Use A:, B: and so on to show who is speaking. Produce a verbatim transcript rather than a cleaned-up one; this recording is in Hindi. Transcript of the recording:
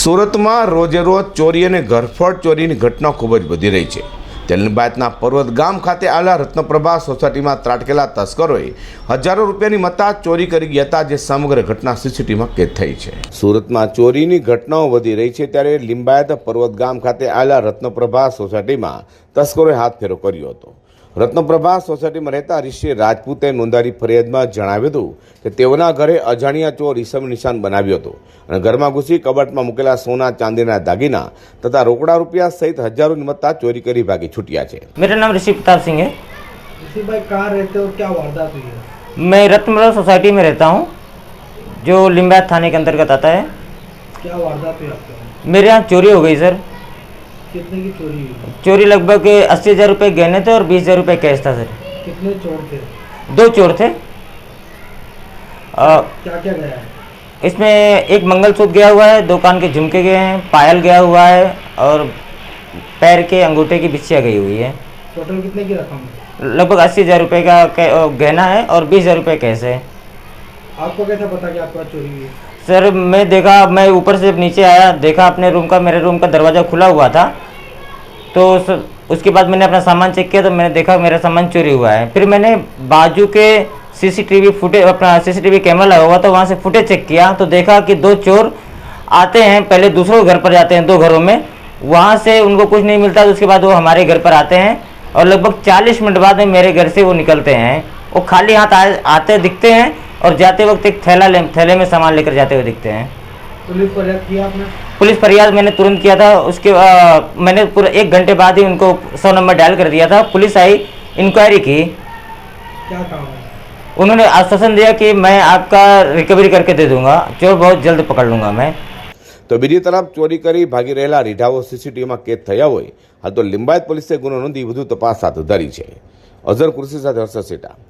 A: સુરતમાં રોજે રોજ ચોરી અને ઘરફોડ ચોરીની ઘટના ખૂબ જ વધી રહી છે। તેલબાદના પર્વત ગામ ખાતે આવેલા રત્નપ્રભા સોસાયટીમાં ત્રાટકેલા તસ્કરોએ હજારો રૂપિયાની મત્તા ચોરી કરી ગયા હતા, જે સમગ્ર ઘટના સીસીટીવીમાં કેદ થઈ છે। સુરતમાં ચોરીની ઘટનાઓ વધી રહી છે, ત્યારે લિંબાયત પર્વત ગામ ખાતે આવેલા રત્નપ્રભા સોસાયટીમાં તસ્કરોએ હાથફેરો કર્યો હતો। રત્નપ્રભા સોસાયટીમાં રહેતા ઋષિ રાજપૂતે નોંધારી ફરિયાદમાં જણાવ્યું હતું કે તેઓના ઘરે અજાણ્યા ચોર ઈસમ નિશાન બનાવ્યો હતો અને ઘરમાં ઘૂસી કબાટમાં મૂકેલા સોના ચાંદીના દાગીના તથા રોકડા રૂપિયા सहित हजारों मत्ता चोरी કરી ભાગી છૂટ્યા છે।
B: मेरा नाम ऋषि प्रताप सिंह है।
C: ऋषि भाई कहाँ रहते हो, क्या वारदात हुई है?
B: मैं रत्नप्रभा सोसाइटी में रहता हूँ, जो लिंबायत थाने के अंतर्गत आता है।
C: क्या वारदात हुई आपके यहाँ?
B: मेरे यहाँ चोरी हो गई सर।
C: कितने की चोरी हुई?
B: चोरी लगभग अस्सी हज़ार रुपये गहने थे और बीस हज़ार रुपये कैश था सर।
C: कितने चोर थे?
B: दो चोर थे। आ,
C: क्या क्या गया है?
B: इसमें एक मंगलसूत्र गया हुआ है, दो कान के झुमके गए हैं, पायल गया हुआ है और पैर के अंगूठे की बिछिया गई हुई है।
C: टोटल कितने की रकम है?
B: लगभग अस्सी हज़ार रुपये का गहना है और बीस हज़ार रुपये कैश है।
C: आपको कैसे पता कि आपका चोरी हुई है?
B: सर मैं देखा, मैं ऊपर से नीचे आया, देखा अपने रूम का, मेरे रूम का दरवाज़ा खुला हुआ था, तो उसके बाद मैंने अपना सामान चेक किया तो मैंने देखा मेरा सामान चोरी हुआ है। फिर मैंने बाजू के सीसीटीवी फुटेज, अपना सीसीटीवी कैमरा लगा हुआ था, वहाँ से फुटेज चेक किया तो देखा कि दो चोर आते हैं, पहले दूसरों घर पर जाते हैं, दो घरों में, वहाँ से उनको कुछ नहीं मिलता तो उसके बाद वो हमारे घर पर आते हैं और लगभग चालीस मिनट बाद में मेरे घर से वो निकलते हैं। वो खाली हाथ आ, आते दिखते हैं और जाते वक्त एक थैला ले थैले में सामान लेकर जाते हुए दिखते हैं।
C: पुलिस फरियाद किया आपने?
B: पुलिस फरियाद मैंने तुरंत किया था। उसके आ, मैंने पूरा एक घंटे बाद ही उनको सौ नंबर डायल कर दिया था। पुलिस आई, इंक्वायरी की।
C: क्या काम है?
B: उन्होंने आश्वासन दिया कि मैं आपका रिकवरी करके दे दूंगा, चोर बहुत जल्द पकड़ लूंगा मैं।
A: तो बीजी तरफ चोरी કરી ભાગી રહેલા રીઢાઓ સીસીટીવીમાં કેદ થયા હોય, હાલ તો લિંબાયત પોલીસે ગુનો નોંધી વધુ તપાસ હાથ ધરી છે। અઝર કુર્સી સાથે હર્ષદ સેઠા।